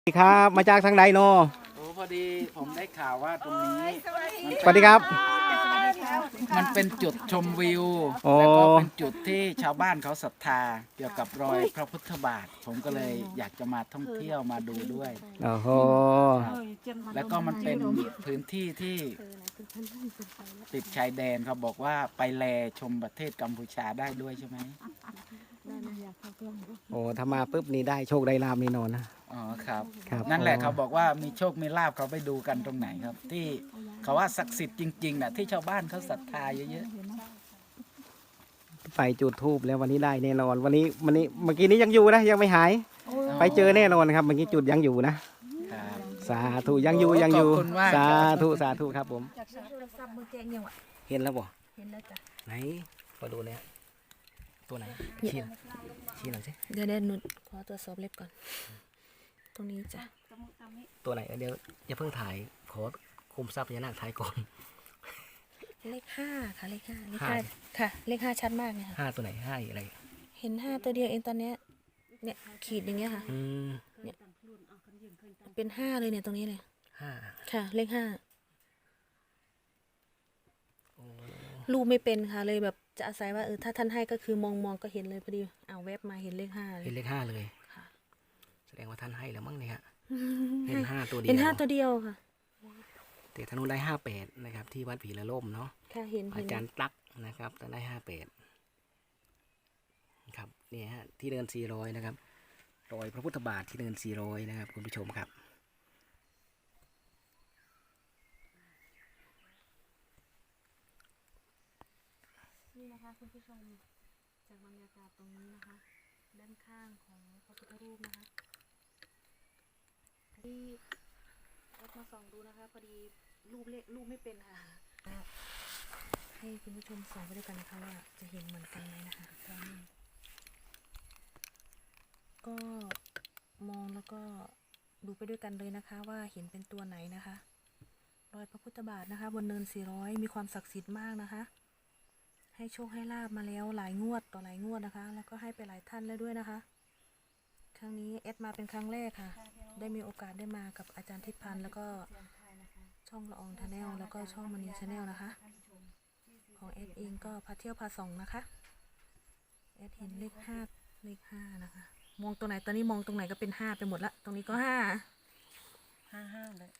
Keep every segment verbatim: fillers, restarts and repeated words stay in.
สวัสดีครับมาจากทางใดโนโอ้พอดีผมได้ข่าวว่าตรงนี้สวัสดีครับมันเป็นจุดชมวิวโอ้แล้วก็เป็นจุดที่ชาวบ้านเขาศรัทธาเกี่ยวกับรอยพระพุทธบาท ผมก็เลยอยากจะมาท่องเที่ยวมาดูด้วยโอ้โหครับแล้วก็มันเป็นพื้นที่ที่ติดชายแดนเขาบอกว่าไปแลชมประเทศกัมพูชาได้ด้วยใช่ไหมโอ้ถ้ามาปุ๊บนี่ได้โชคได้ลาภแน่นอนนะอ๋อครับครับนั่นแหละเขาบอกว่ามีโชคมีลาภเขาไปดูกันตรงไหนครับ ที่เขาว่าศักดิ์สิทธิ์จริงๆนะที่ชาวบ้านเขาศรัทธาเยอะไปจุดทูบแล้ววันนี้ได้แน่นอน วันนี้วันนี้เมื่อกี้นี้ยังอยู่นะยังไม่หายๆไปเจอแน่นอนครับเมื่อกี้จุดยังอยู่นะครับสาธุยังอยู่ยังอยู่ขอบคุณมากสาธุสาธุครับผมจากโทรศัพท์มือแจงยังวะเห็นแล้วบ่เห็นแล้วจ้ะไหนมาดูเนี่ยตัวไหนชี้หน่อยชี้หน่อยสิเดี๋ยวเดี๋ยวหนุขอตรวจสอบเล็บก่อน ตรงนี้จ้ะตัวไหนเดี๋ยวอย่าเพิ่งถ่ายขอคุมทรัพย์พญานาคถ่ายก่อนเลขห้าค่ะเลขห้าเลขห้าห้าค่ะ เลขห้าชัดมากเลยค่ะห้าตัวไหนห้าอะไรเห็นห้าตัวเดียวเองตอนเนี้ยเนี่ยขีดอย่างเงี้ยค่ะอืมเป็นห้าเลยเนี่ยตรงนี้เลยห้าค่ะ เลขห้าโอ้รูปไม่เป็นค่ะเลยแบบจะอาศัยว่าเออถ้าท่านให้ก็คือมองมองก็เห็นเลยพอดีเอาแวบมาเห็นเลขห้าเลเห็ยนเลขห้าเลยค่ะแสดงว่าท่านให้แล้วมั้งเนี่ยฮะเห็นห้าตัวเดียวเห็นห้าตัวเดียวค่ะแต่ธนูได้ห้าแปดนะครับที่วัดผีละล่มเนาะค่ะเห็นอาเห็นจารย์ตักนะครับแต่ได้ห้าแปดครับเนี่ยฮะที่เดินสี่ร้อยนะครับรอยพระพุทธบาทที่เดินสี่ร้อยนะครับคุณผู้ชมครับนี่นะคะคุณผู้ชมจากบรรยากาศตรงนี้นะคะ ด้านข้างของพระพุทธรูปนะคะที่รถมาส่องดูนะคะพอดีรูปเลขรูปไม่เป็นค่ะให้คุณผู้ชมส่องไปด้วยกันนะคะว่าจะเห็นเหมือนกันไหมนะคะก็มองแล้วก็ดูไปด้วยกันเลยนะคะว่าเห็นเป็นตัวไหนนะคะรอยพระพุทธบาทนะคะ บนเนินสี่ร้อยมีความศักดิ์สิทธิ์มากนะคะให้โชคให้ลาบมาแล้วหลายงวดต่อหลายงวดนะคะแล้วก็ให้ไปหลายท่านแล้วด้วยนะคะครั้งนี้เอสมาเป็นครั้งแรกค่ะได้มีโอกาสได้มากับอาจารย์ทิพย์พันธ์แล้วก็ช่องละอองชาแนลแล้วก็ช่องมณีชาแนลนะคะของเอสเองก็พาเที่ยวพาส่องนะคะเอสเห็นเลขห้าเลขห้านะคะมองตรงไหนตอนนี้มองตรงไหนก็เป็นห้าไปหมดละตรงนี้ก็ห้าห้าห้าเลย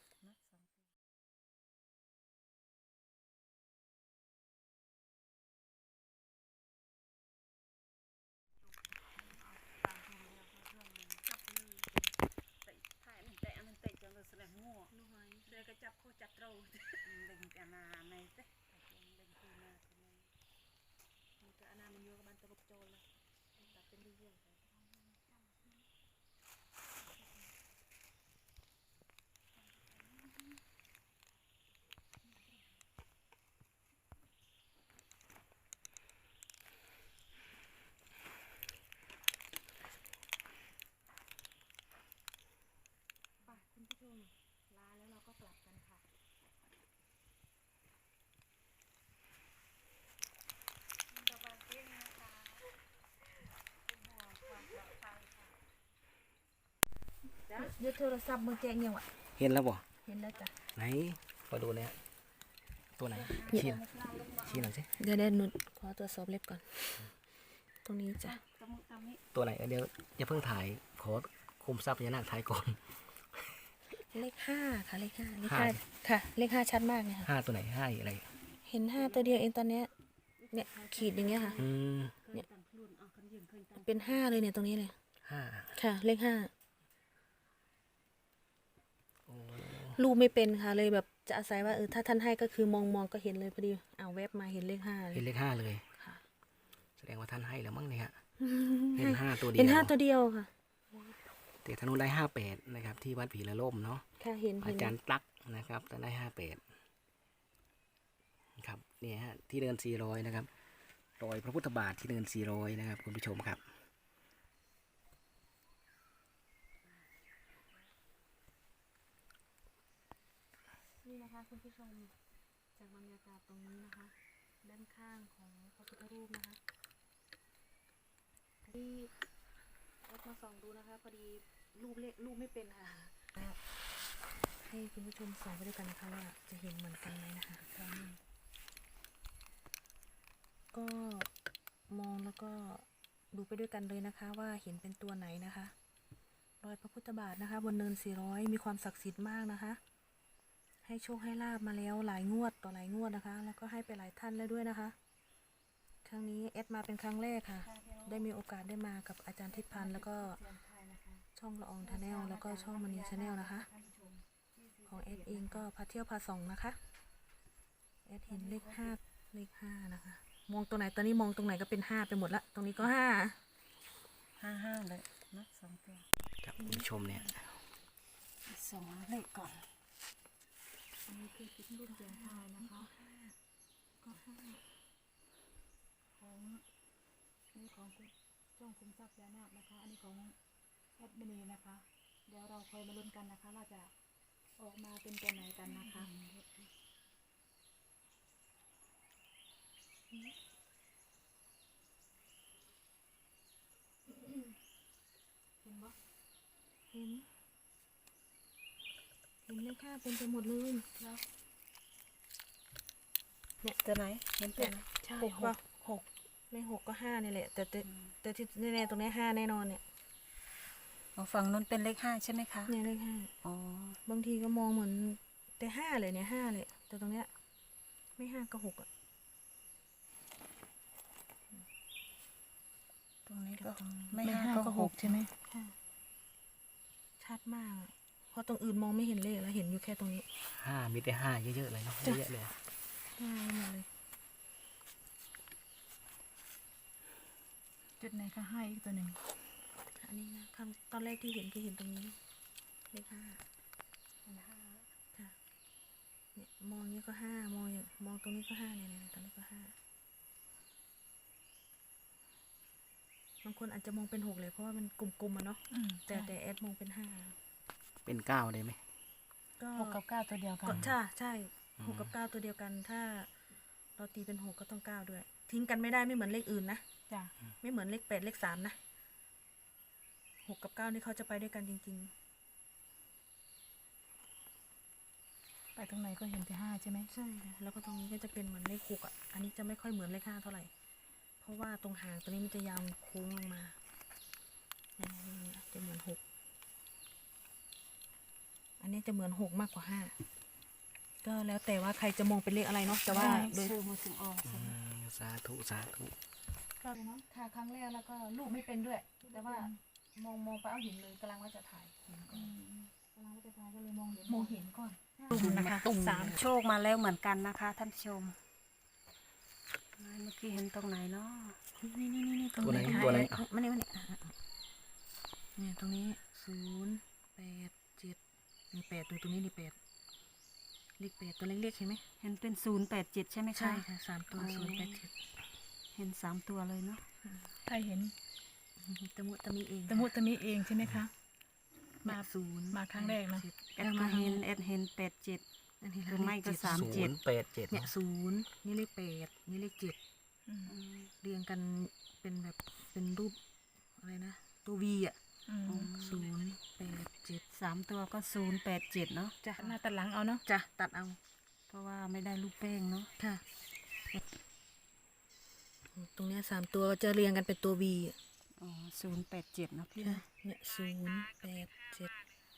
คุณผู้ชมลาแล้วเราก็กลับกันค่ะยึดโทรศัพท์มือแจงยังวะเห็นแล้วบ่เห็นแล้วจ้ะไหนมาดูเนี่ยตัวไหนชี้หน่อยชี้หน่อยสิเดี๋ยวเดี๋ยวหนุขอตรวจสอบเล็บก่อน ตรงนี้จ้ะตัวไหนเดี๋ยวอย่าเพิ่งถ่ายขอคุมทรัพย์พญานาคถ่ายก่อนเลขห้าค่ะเลขห้าเลขห้าห้าค่ะ เลขห้าชัดมากเลยค่ะห้าตัวไหนห้าอะไรเห็นห้าตัวเดียวเองตอนเนี้ยเนี่ยขีดอย่างเงี้ยค่ะอืมเป็นห้าเลยเนี่ยตรงนี้เลยห้าค่ะ เลขห้าโอ้รูปไม่เป็นค่ะเลยแบบจะอาศัยว่าเออถ้าท่านให้ก็คือมองมองก็เห็นเลยพอดีเอาแวบมาเห็นเลขห้าเลเห็นยเลขห้าเลยค่ะแสดงว่าท่านให้แล้วมั้งเนี่ยฮะเห็นห้าตัวเดียวเห็นห้าตัวเดียวค่ะแต่ธนูได้ห้าแปดนะครับที่วัดผีละล่มเนาะค่ะเห็นอาเห็นจารย์ตักนะครับแต่ได้ห้าแปดครับเนี่ยฮะที่เดินสี่ร้อยนะครับรอยพระพุทธบาทที่เดินสี่ร้อยนะครับคุณผู้ชมครับนี่นะคะคุณผู้ชมจากบรรยากาศตรงนี้นะคะ ด้านข้างของพระพุทธรูปนะคะที่รถมาส่องดูนะคะพอดีรูปเลขรูปไม่เป็นค่ะให้คุณผู้ชมส่องไปด้วยกันนะคะว่าจะเห็นเหมือนกันไหมนะคะก็มองแล้วก็ดูไปด้วยกันเลยนะคะว่าเห็นเป็นตัวไหนนะคะรอยพระพุทธบาทนะคะ บนเนินสี่ร้อยมีความศักดิ์สิทธิ์มากนะคะ ให้โชคให้ลาบมาแล้วหลายงวดต่อหลายงวดนะคะ แล้วก็ให้ไปหลายท่านแล้วด้วยนะคะ ครั้งนี้เอสมาเป็นครั้งแรกค่ะ ได้มีโอกาสได้มากับอาจารย์ทิพย์พันธ์แล้วก็ช่องละอองชาแนลแล้วก็ช่องมณีชาแนลนะคะ ของเอสเองก็พาเที่ยวพาส่องนะคะเอสเห็นเลขห้าเลขห้านะคะ มองตรงไหนตอนนี้มองตรงไหนก็เป็นห้าไปหมดละตรงนี้ก็ห้าห้าห้าเลยนะสองตัวครับคุณผู้ชมเนี่ยสองเลขก่อนอันนี้คือคิดรุ่นเสียงทายนะคะก็ห้าของนี่ของคุณช่องคุมทรัพย์ยานาคนะคะ อันนี้ของแอดมินีนะคะ เดี๋ยวเราคอยมาลุ้นกันนะคะว่าจะออกมาเป็นตัวไหนกันนะคะเห็นปะเห็นเห็นเลขห้าเป็นไปหมดเลยแล้วเนี่ยตัวไหนเห็นตัวไหนใช่หกหกไม่หกก็ห้านี่แหละ แต่แต่แต่ที่แน่ๆตรงนี้ห้าแน่นอนเนี่ยอ๋อฝั่งนู้นเป็นเลขห้าใช่ไหมคะเนี่ยเลขห้าอ๋อบางทีก็มองเหมือนแต่ห้าเลยเนี่ยห้าเลยแต่ตรงเนี้ยไม่ห้าก็หกอ่ะตรงนี้ก็ตรงนี้ไม่ห้าก็หกใช่ไหมค่ะชัดมากอะเพราะตรงอื่นมองไม่เห็นเลขแล้วเห็นอยู่แค่ตรงนี้ห้ามีแต่ห้าเยอะๆเลยเนาะเยอะๆเลยห้าหมดเลยจุดไหนคะให้อีกตัวหนึ่งอันนี้นะครั้งตอนแรกที่เห็นคือเห็นตรงนี้เลขห้าค่ะเนี่ยมองนี้ก็ห้ามองอย่างมองตรงนี้ก็ห้าเนี่ยเนี่ยตรงนี้ก็ห้าบางคนอาจจะมองเป็นหกเลยเพราะว่ามันกลมๆอะเนาะอืมแต่แต่แอดมองเป็นห้าเป็นเก้าได้ไหมก็หกกับเก้าตัวเดียวกัก็นใช่ใช่หกกับเก้าตัวเดียวกัน ถ้าเราตีเป็นหกก็ต้องเก้าด้วย ทิ้งกันไม่ได้ไม่เหมือนเลขอื่นนะจ้ะไม่เหมือนเลขแปดเลขสามนะหกกับเก้านี่เขาจะไปด้วยกันจริงไปตรงไหนก็เห็นแต่ห้าใช่ไหมๆ ใช่ค่ะแล้วก็ตรงนี้ก็จะเป็นเหมือนเลขหกอ่ะอันนี้จะไม่ค่อยเหมือนเลขห้าเท่าไหร่ เพราะว่าตรงหางตัวนี้มันจะยาวโค้งลงมาเนี่ยเนี่ยจะเหมือนหกอันนี้จะเหมือนหกมากกว่าห้าก็แล้วแต่ว่าใครจะมองเป็นเลขอะไรเนาะแต่ว่าโดยชื่อมือถึงออกอืมสาธุสาธุก็เนาะถ่ายครั้งแรกแล้วก็ลูกไม่เป็นด้วย แต่ว่ามองมองไปเอาเห็นเลยกำลังว่าจะถ่ายเห็นก่อนกำลังว่าจะถ่ายก็เลยมองเห็นมองเห็นก่อนตุ่มนะคะสามโชคมาแล้วเหมือนกันนะคะ ท่านผู้ชมเมื่อกี้เห็นตรงไหนเนาะนี่นี่นี่นี่ตรงตัวไหนนี้ตัวไหนอ่ะมาเนี่ยมาเนี่ยอ่ะอ่ะอ่ะเนี่ยตรงนี้ศูนย์แปดเจ็ดนี่แปดตัวตรงนี้นี่แปดเลขแปดตัวเล็กๆเห็นไหมเห็นเป็นศูนย์แปดเจ็ดใช่ไหมคะใช่ค่ะสามตัวอ๋อศูนย์แปดเจ็ดเห็นสามตัวเลยเนาะใครเห็นตะมุตะมีเองตะมุตะมิเองใช่ไหมคะ มาศูนย์มาครั้งแรกนะจ็ดแอดก็เห็นแอดเห็นแปดเจ็ดอันนี้หรือไม่ก็เลขเจ็ดสามศูเจ็ดนย์แปดเจ็ดเนี่ยเนาะศูนย์นี่เลขแปดนี่เลขเจ็ดอืมเรียงกันเป็นแบบเป็นรูปอะไรนะตัววีอ่ะอืมศูนย์แปดเจ็ดสามตัวก็ศูนย์แปดเจ็ดเนาะจ้ะหน้าตัดหลังเอาเนาะจ้ะตัดเอาเพราะว่าไม่ได้ลูกแป้งเนาะค่ะ ตรงเนี้ยสามตัวจะเรียงกันเป็นตัววีอ่ะอ๋อศูนย์แปดเจ็ดเนาะพี่ค่ะนะเนี่ยศูนย์แปดเจ็ด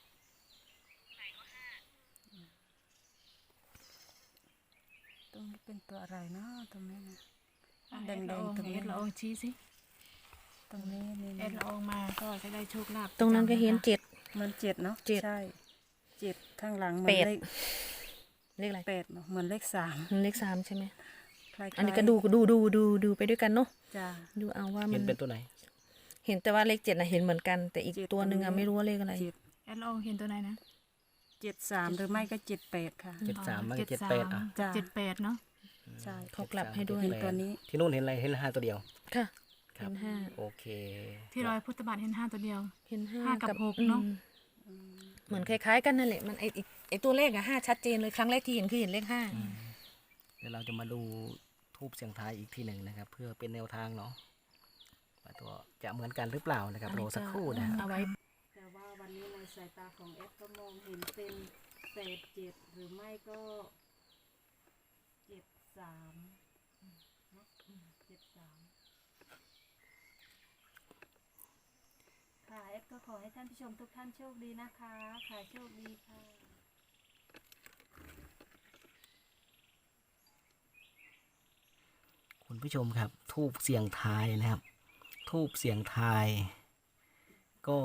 ตรงนี้เป็นตัวอะไรเนาะตรงนี้นะแอแดดงละอองๆตรงแอนี้ดละอองชี้สิตรงนี้นี่แอดละอองมาก็จะได้โชคลาภตรงนั้นก็เห็นเจ็ดมันเจ็ดเนาะเจ็ดใช่เจ็ดข้างหลังเหมืแปอนดเลขเลขอะไรแปดเนอะเหมือนเลขสามเลขสามใช่ไหมคล้ายๆอันนี้ก็ดูดูดูดูดูไปด้วยกันเนาะจ้าดูเอาว่าเห็มัน นเป็นตัวไหนเห็นแต่ว่าเลขเจ็ดนะเห็นเหมือนกัน แต่อีกเจ็ดตัวหนึ่งตรอะงนี้ไม่รู้ว่าเลขอะไรเจ็ดแอดละอองเห็นตัวไหนนะเจ็ดสามหรือไม่ก็เจ็ดแปดค่ะเจ็ดสามมันก็เจ็เจ็ดดสาแปมดอ่ะจ้ะเจ็ดแปดเนาะใช่เขากลับให้ด้วยเห็นตัวนี้ที่นู่นเห็นอะไรเห็นห้าตัวเดียวค่ะครัเห็บนห้าโอเคที่รอยพุทธบาทเห็นห้าตัวเดียวเห็นห้าห้ากับหกอืมเนอะเหมือนคล้ายๆกันนั่นแหละมันไอไอ้ไอตัวเลขอะห้าชัดเจนเลยครั้งแรกที่เห็นคือเห็นเลขห้าเดี๋ยวเราจะมาดูทูบเสียงทายอีกทีหนึ่งนะครับ เพื่อเป็นแนวทางเนาะว่าตัวจะเหมือนกันหรือเปล่านะครับรอสักครู่นะเอาไว้แต่ว่าวันนี้ในสายตาของแอดก็มองเห็นเป็นแปดเจ็ดหรือไม่ก็เจ็ดสามอืมเนอะอืมเจ็ดสามค่ะเอฟก็ขอให้ท่านผู้ชมทุกท่านโชคดีนะคะค่ะโชคดีค่ะคุณผู้ชมครับ ทูบเสียงทายนะครับ ทูบเสียงทาย ก็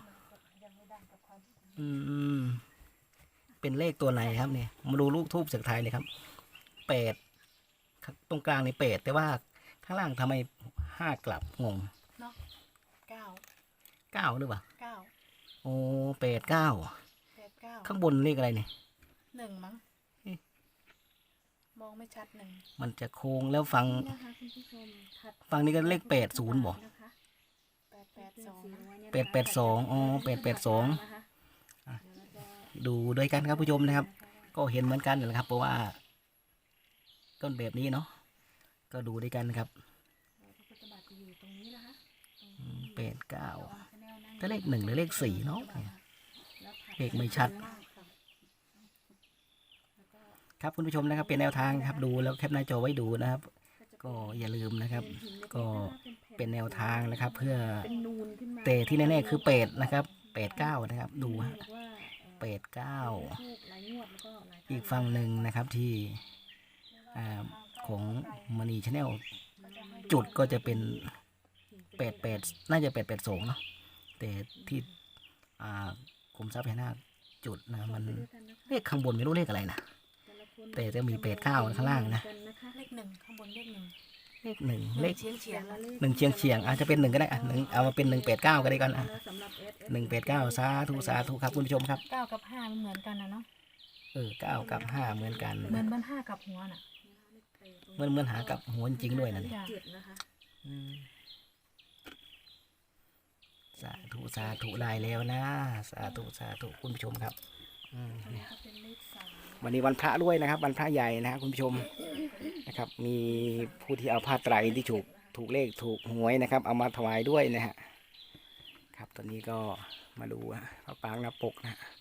อืมเป็นเลขตัวไหนครับเนี่ยมาดูลูกทูบเสียงทายเลยครับแปดตรงกลางในแปดแต่ว่าข้างล่างทำไมห้ากลับงงเนาะเก้าเก้าหรือเปล่าเก้าโอ้แปดเก้าแปดเก้าข้างบนเลขอะไรเนี่ยหนึ่งมั้งเอ๊ะมองไม่ชัดหนึ่งมันจะโค้งแล้วฟังนะคะคุณผู้ชมถัดฟังนี้ก็เลขแปดศูนย์บ่นะคะแปดแปดสองแปดแปดสองอ๋อแปดแปดสองนะคะดูด้วยกันครับผู้ชมนะครับ ก็เห็นเหมือนกันนะครับ เพราะว่าต้นแบบนี้เนาะก็ดูด้วยกันนะครับพระพุทธบาทจะอยู่ตรงนี้นะคะอืมแปดเก้าชาแนลนั่งแต่เลขหนึ่งหรือเลขสี่เนาะแล้วถัดเลขไม่ชัดมากค่ะแล้วก็ครับคุณผู้ชมนะครับเป็นแนวทางครับดูแล้วแคปหน้าจอไว้ดูนะครับ ก็อย่าลืมนะครับ ก็เป็นแนวทางนะครับ เพื่อเป็นนูนขึ้นมาแต่ที่แน่ๆคือเป็ดนะครับเป็ดเก้านะครับ ดูฮะเรียกว่าเอ่อเป็ดเก้าถูกหลายงวดแล้วก็หลายอีกฝั่งหนึ่งนะครับที่อ่าของมณีชาแนลจุดก็จะเป็นเป็ดเป็ดน่าจะเป็ดเป็ดสองเนาะแต่ที่อ่าคุมทรัพย์พญานาคจุดนะมันเลขข้างบนไม่รู้เลขอะไรนะ แต่จะมีเป็ดเก้าข้างล่างนะเลขหนึ่งข้างบนเลขหนึ่งเลขหนึ่งเลขเฉียงเฉียงหนึ่งเฉียงเฉียงอาจจะเป็นหนึ่งก็ได้อ่ะหนึ่งเอามาเป็นหนึ่งเป็ดเก้าก็ได้กันอ่ะสำหรับ เอส เอสหนึ่งเป็ดเก้าสาธุสาธุครับคุณผู้ชมครับเก้ากับห้ามันเหมือนกันนะเนาะเออเก้ากับห้าเหมือนกันเหมือนมันห้ากับหัวน่ะเหมือนเหมือนหากับหัวจริงๆด้วยนะเนี่ยจ้ะเจ็ดนะคะอืมสาธุสาธุได้แล้วนะสาธุสาธุคุณผู้ชมครับอืมเนี่ยก็เป็นเลขสามวันนี้วันพระด้วยนะครับ วันพระใหญ่นะครับคุณผู้ชมนะครับ มีผู้ที่เอาผ้าไตรที่ถูกถูกเลขถูกหวยนะครับ เอามาถวายด้วยนะฮะครับตอนนี้ก็มาดูฮะพระปางหน้าปกนะฮะ